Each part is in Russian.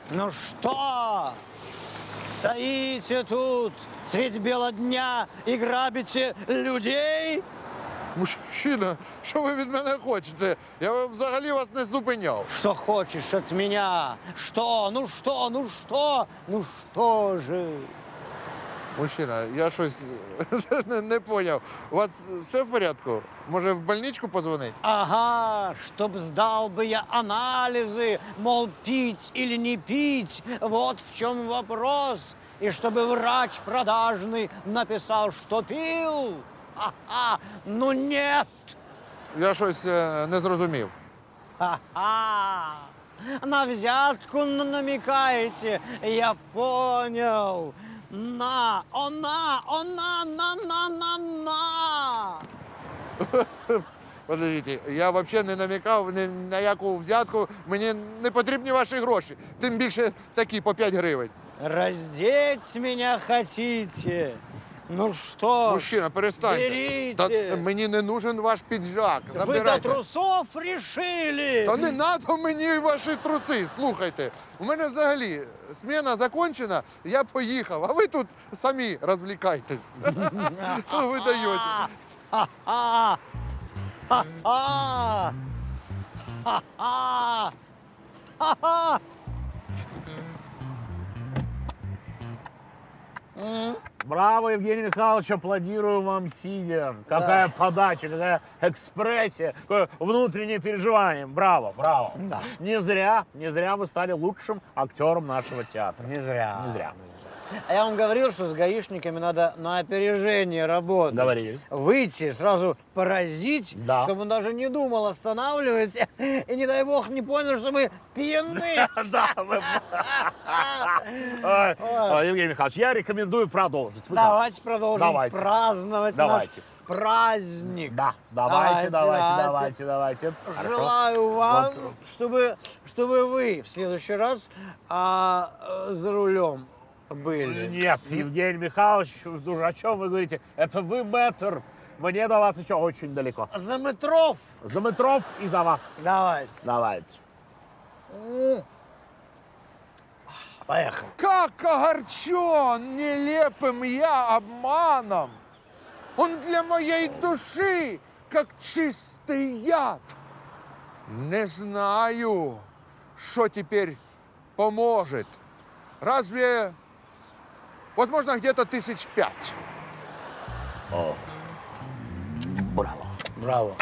Ну что? Стоите тут средь бела дня и грабите людей? Мужчина, що ви від мене хочете? Я взагалі вас не зупиняв. Что хочешь от меня? Что? Ну что? Ну что? Ну что же? Мужчина, я щось не поняв. У вас все в порядку? Може, в больничку позвонить? Ага, чтоб сдал бы я анализы, мол, пить или не пить, вот в чем вопрос. И чтобы врач продажный написал, что пил. Ага, ну нет. Я щось не зрозумів. Ха-ха! На взятку намекаете, я понял. На, на. Подождіть, я взагалі не намікав ні на яку взятку. Мені не потрібні ваші гроші. Тим більше такі по 5 гривень. Раздеть меня хотите? Ну что? Мужчина, перестаньте. Берите. Та мені не нужен ваш піджак. Вы до Забирайте. трусов решили? Та не надо мені ваші труси. Слухайте, у мене взагалі смена закончена, я поїхав, а ви тут самі розвлікайтесь. Що ви даєте? Ха-ха! Ха-ха! Ха-ха! Ха-ха! Браво, Евгений Михайлович, аплодирую вам, сидя. Какая подача, какая экспрессия, какое внутреннее переживание. Браво, браво. Да. Не зря вы стали лучшим актером нашего театра. Не зря. Не зря. А я вам говорил, что с гаишниками надо на опережение работать. Говорили. Выйти, сразу поразить, Да. чтобы он даже не думал останавливать. И, не дай бог, не понял, что мы пьяны. Да, Евгений Михайлович, я рекомендую продолжить. Вы как? Давайте продолжим Давайте. праздновать Давайте. наш праздник. Да, давайте. Хорошо. Желаю вам, Вот. чтобы вы в следующий раз за рулем были. Нет, Евгений Михайлович, о чем вы говорите? Это вы мэтр. Мне до вас еще очень далеко. За метров. За метров и за вас. Давайте. Давайте. Поехали. Как огорчен нелепым я обманом! Он для моей души, как чистый яд. Не знаю, что теперь поможет. Разве, возможно, где-то 5,000. О. Браво. Браво.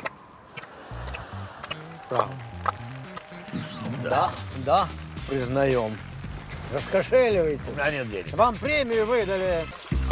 Браво. Да, признаем. Раскошеливайте. У меня нет денег. Вам премию выдали.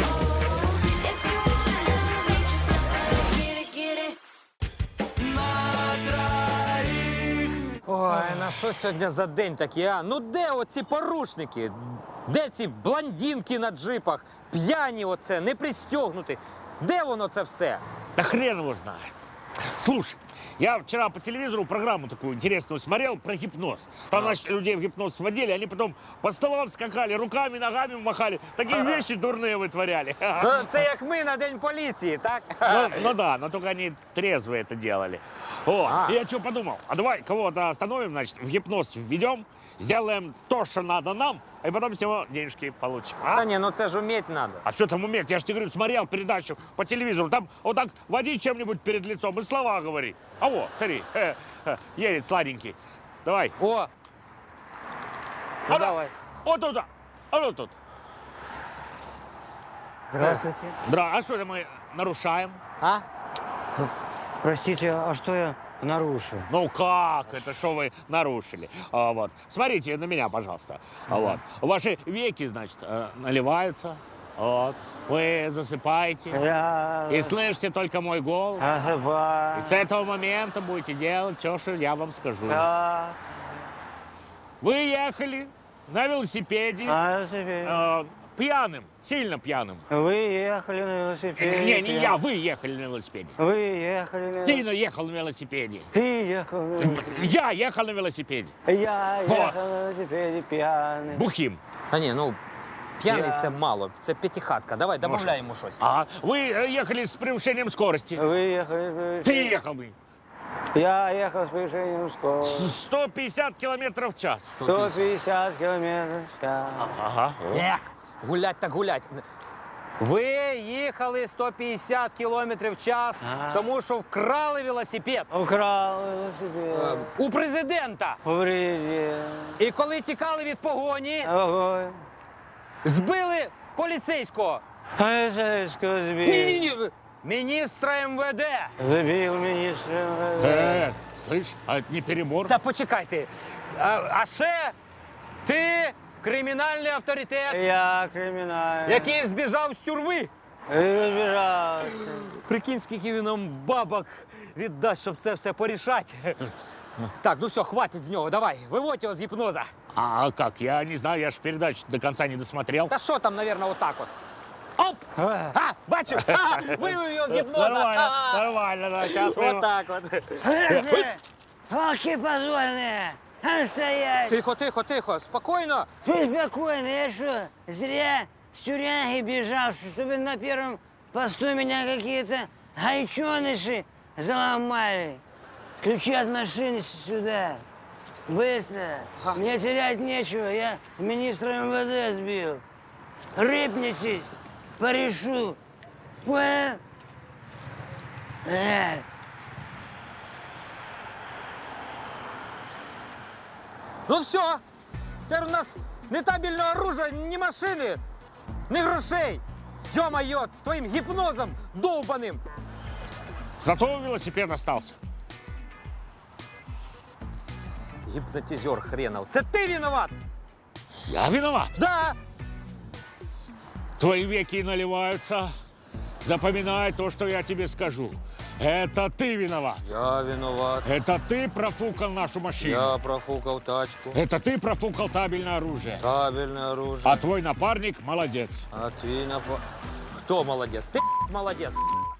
Ой, на що сьогодні за день такий, а? Ну де оці порушники? Де ці блондинки на джипах? П'яні оце, не пристегнуті. Де воно це все? Да хрен его знает. Слушай, я вчера по телевизору программу такую интересную смотрел про гипноз. Там, значит, людей в гипноз вводили, они потом по столам скакали, руками, ногами махали. Такие вещи дурные вытворяли. Ну, це як ми на День поліції, так? Ну да, но только они трезвые это делали. О, и я что подумал, а давай кого-то остановим, значит, в гипноз введем, сделаем то, что надо нам, и потом всего денежки получим. А? Та ні, ну це ж уметь надо. А что там уметь? Я же тебе говорю, смотрел передачу по телевизору. Там вот так води чем-нибудь перед лицом и слова говори. А вот, смотри, едет сладенький. Давай. О! Ну, давай. Вот туда. А вот тут. Здравствуйте. А что это мы нарушаем? А? Простите, а что я нарушил? Ну как? Это что вы нарушили? Вот. Смотрите на меня, пожалуйста. Вот. Ваши веки, значит, наливаются. Вот. Вы засыпаете. И слышите только мой голос. И с этого момента будете делать все, что я вам скажу. Вы ехали на велосипеде пьяным, сильно пьяным. Вы ехали на велосипеде. Не я, вы ехали на велосипеде. Вы ехали на Ты ехал на велосипеде. Ты ехал на велосипеде. Я ехал на велосипеде. Я Вот. ехал на велосипеде пьяный. Бухим. Та ні, ну п'яний це мало, це п'ятихатка. Давай, добавляй йому щось. А вы ехали с превышением скорости. Вы ехали на Ты ехал бы. Я ехал с превышением скорости. 150 километров в час. 150 километров в час. Ага. Ех, гулять так гулять. Ви їхали 150 кілометрів в час, Ага. тому що вкрали велосипед Украл велосипед. у президента. Повредил. І коли тікали від погоні, Огонь. збили поліцейського. Полицейского сбил. Ні-ні-ні, міністра МВД. Забил министра МВД. Слышь, а это не перебор? Та почекайте. А ще ти кримінальний авторитет, Я криминальный. який збіжав з тюрми. И разбежался. Прикинь, скільки він нам бабок віддасть, щоб це все порішати. Так, ну все, хватить з нього. Давай, виводь його з гіпноза. А как? Я не знаю, я ж передачу до конца не досмотрел. Та що там, мабуть, отак от. Оп! А, бачив? А, вивів його з гіпноза. Нормально, А, нормально, да, сейчас мы... отак от. Волки позорные. Стоять. Тихо, тихо, тихо, спокійно. Ты спокойно, я что, зря с тюряги бежал, чтобы на первом посту меня какие-то гайчоныши заломали. Ключи от машины сюда. Быстро. Ага. Мне терять нечего, я министра МВД сбил. Рыпнитесь, порешу. Понял? Ну все, тепер у нас не табельного оружия, ні машини, ні грошей. Йо-моє, з твоїм гіпнозом довбаним. Зато велосипед остался. Гіпнотизер хренов. Це ти виноват? Я виноват. Да. Твои веки наливаются. Запоминай то, что я тебе скажу. Это ты виноват. Я виноват. Это ты профукал нашу машину. Я профукав тачку. Это ты профукал табельное оружие. Табельне оружие. А твой напарник молодец. А твій напа... Хто молодець? Ти молодець.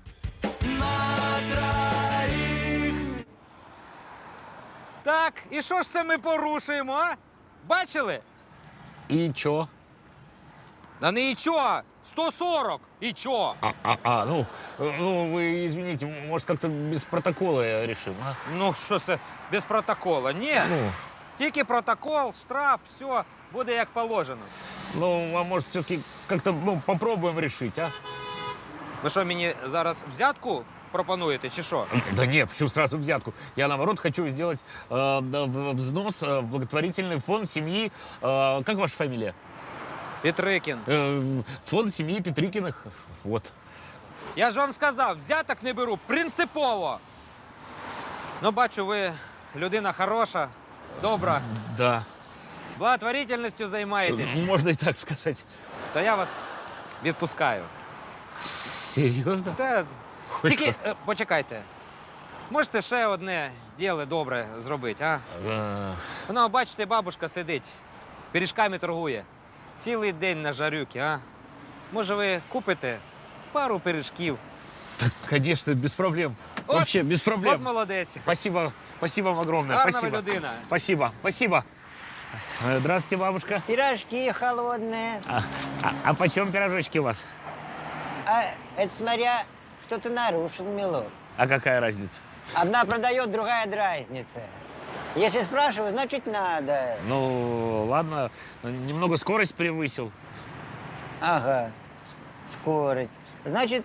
Так, і що ж це ми порушуємо, а? Бачили? И чё? Да не і чого, 140. І чого? Ну, вы извините, может, как-то без протокола решим, а? Ну, що це, без протокола? Ні, Ну, тільки штраф, все, буде як положено. а может, все-таки как-то попробуем решить, а? Ви що, мені зараз взятку пропонуєте, чи що? Да нет, почему сразу взятку? Я, наоборот, хочу сделать взнос в благотворительный фонд семьи... как ваша фамилия? Петрикін. Фонд семьи Петрикиных. Вот. Я ж вам сказав, взяток не беру принципово. Ну, бачу, ви людина хороша, добра, Да. благотворительністю займаєтесь, Можно и так сказать. то я вас відпускаю. Серьезно? Та, тільки почекайте. Можете ще одне діло добре зробити, а? Ну, бачите, бабушка сидить, пиріжками торгує. Цілий день на жарюки, а? Може, ви купите пару пиріжків? Так, конечно, без проблем. От- Вообще, без проблем. От молодець. Спасибо, спасибо вам огромное. Гарна Спасибо. ви людина. Спасибо, спасибо. Здравствуйте, бабушка. Пирожки холодные. А почем пирожочки у вас? А это смотря, что ты нарушил, милок. А какая разница? Одна продает, другая дразнится. Если спрашиваю, значит надо. Ну, ладно, немного скорость превысил. Ага, скорость. Значит,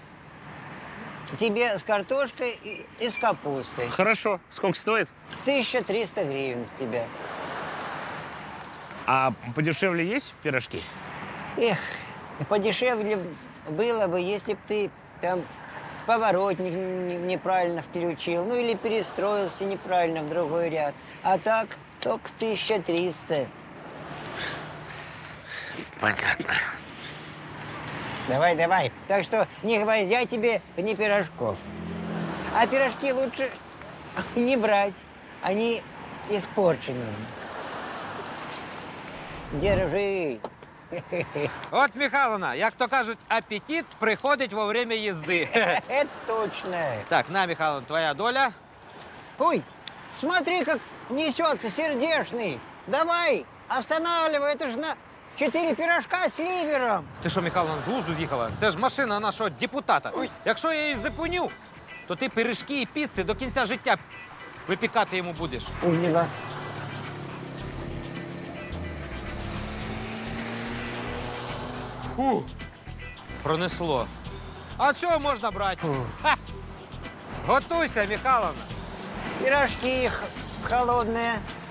тебе с картошкой и с капустой. Хорошо. Сколько стоит? 1300 гривен с тебя. А подешевле есть пирожки? Эх, подешевле было бы, если бы ты там поворотник неправильно включил, ну или перестроился неправильно в другой ряд. А так только 1300. Понятно. Давай, давай. Так что ни гвоздя тебе, ни пирожков. А пирожки лучше не брать. Они испорченные. Держи. От, Михайловна, як то кажуть, апетит приходить во время їзди. Это точно. Так, на, Михайловна, твоя доля. Ой, смотри, как несется сердечный. Давай, останавливай, это же на 4 пирожка с ливером. Ти що, Михайловна, з глузду з'їхала? Це ж машина нашого депутата. Якщо я її зупиню, то ти пиріжки і піци до кінця життя випікати йому будеш. Спасибо. Фу, пронесло. А цього можна брати. Ха! Готуйся, Михайловна. Пирожки холодные.